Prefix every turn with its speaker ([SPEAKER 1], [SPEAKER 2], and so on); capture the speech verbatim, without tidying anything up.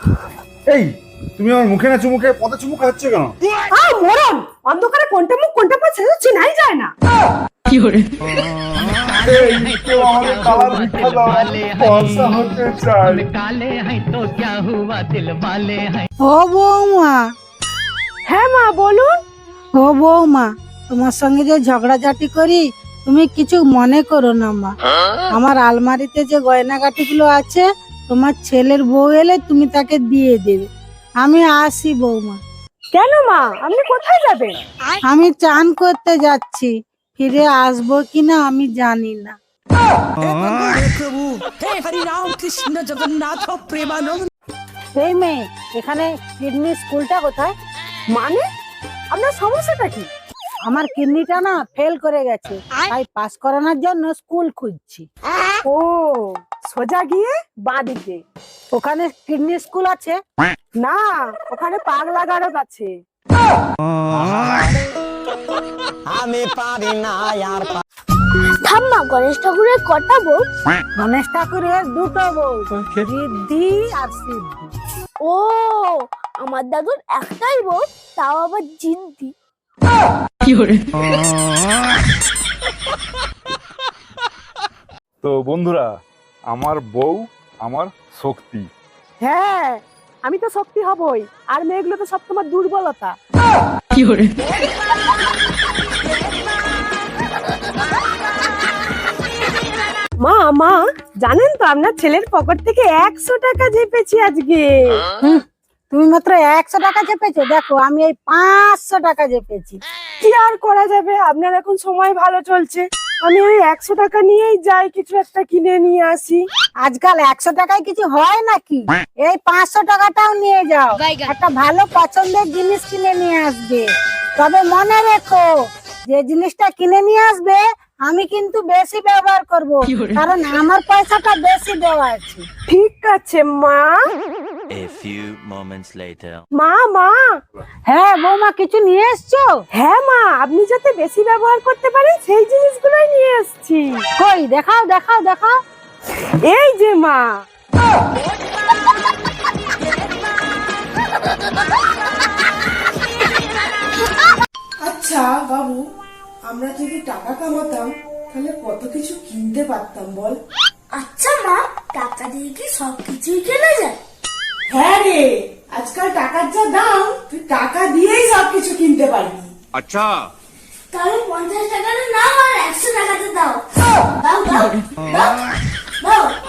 [SPEAKER 1] এই তুমি আমার মুখে না চুমুকে পদে চুমুক খাচ্ছে কেন?
[SPEAKER 2] আ মরণ, অন্ধকারে কোনটা মুখ কোনটা পা সেটা চেনাই যায় না।
[SPEAKER 3] কি করে?
[SPEAKER 1] এই কেউ আমাদের কালার ভিক্ষা দাও, ফর্সা হতে চাই।
[SPEAKER 4] काले हैं तो क्या हुआ दिल वाले हैं।
[SPEAKER 5] ও বৌমা,
[SPEAKER 2] হ্যাঁ মা বলুন।
[SPEAKER 5] ও বৌমা, তোমার সঙ্গে যে ঝগড়াঝাটি করি তুমি কিছু মনে করো না মা। আমার আলমারিতে যে গয়নাগাটি গুলো আছে তোমার ছেলের বউ এলে তুমি তাকে দিয়ে দেবে। আমি আসি বৌমা।
[SPEAKER 2] কেন মা, আপনি কোথায় যাবেন?
[SPEAKER 5] আমি চান করতে যাচ্ছি, ফিরে আসবো কিনা আমি জানি না। এই মেয়ে, এখানে কিডনি স্কুলটা কোথায়?
[SPEAKER 2] মানে আপনার সমস্যাটা কি?
[SPEAKER 5] আমার কিডনিটা না ফেল করে গেছে, তাই পাস করানোর জন্য স্কুল খুঁজছি।
[SPEAKER 2] ও, সোজা গিয়ে বাঁ দিকে।
[SPEAKER 5] ওখানে কিডনি স্কুল আছে?
[SPEAKER 2] না, ওখানে পাগলা গারদ আছে।
[SPEAKER 4] আমি পারি না আর
[SPEAKER 6] ঠাম্মা, গণেশ ঠাকুরের কটা বউ?
[SPEAKER 5] গণেশ ঠাকুরের দুটো বউ, ঋদ্ধি আর সিদ্ধি।
[SPEAKER 6] ও, আমার দাদুর একটাই বউ, তাও আবার জিদ্দি।
[SPEAKER 3] কি করে?
[SPEAKER 1] তো বন্ধুরা, আমার বউ আমার শক্তি।
[SPEAKER 2] হ্যাঁ, আমি তো শক্তি হবই, আর মেয়েগুলো তো সব তোমার দুর্বলতা।
[SPEAKER 3] কি করে?
[SPEAKER 2] মা মা, জানেন তো আপনার ছেলের পকেট থেকে একশো টাকা চেপেছি আজকে।
[SPEAKER 5] হুম, তুমি মাত্র একশো টাকা চেপেছো, দেখো আমি এই পাঁচশো টাকা চেপেছি।
[SPEAKER 2] কি আর করা যাবে, আপনার এখন সময় ভালো চলছে। আমি ওই একশো টাকা নিয়েই যাই, কিছু একটা কিনে নিয়ে আসি।
[SPEAKER 5] আজকাল একশো টাকায় কিছু হয় নাকি? এই পাঁচশো টাকাটাও নিয়ে যাও, একটা ভালো পছন্দের জিনিস কিনে নিয়ে আসবে। তবে মনে রেখো, যে জিনিসটা কিনে নিয়ে আসবে আমি কিন্তু বেশি ব্যবহার করব, কারণ আমার পয়সাটা বেশি দেওয়া আছে।
[SPEAKER 2] ঠিক আছে মা।
[SPEAKER 7] A few moments later.
[SPEAKER 2] মা মা,
[SPEAKER 5] হ্যাঁ বৌমা, কিছু নিয়ে এসছো?
[SPEAKER 2] হ্যাঁ মা, আপনি যাতে বেশি ব্যবহার করতে পারেন সেই জিনিসগুলোই নিয়ে এসেছি।
[SPEAKER 5] কই দেখাও দেখাও দেখাও।
[SPEAKER 2] এই যে মা।
[SPEAKER 8] আচ্ছা বাবু, আমরা যদি টাকা কামাতাম তাহলে কত কিছু কিনতে পারতাম বল?
[SPEAKER 6] আচ্ছা মা, টাকা দিয়ে কি সবকিছুই কেনা যায়?
[SPEAKER 8] হ্যাঁ রে, আজকাল টাকার যা দাম, তুই টাকা দিয়েই সবকিছু কিনতে পারবি।
[SPEAKER 7] अच्छा
[SPEAKER 6] তাহলে পঞ্চাশ টাকাটা নাও আর একশো টাকাতে দাও। দাও দাও দাও দাও।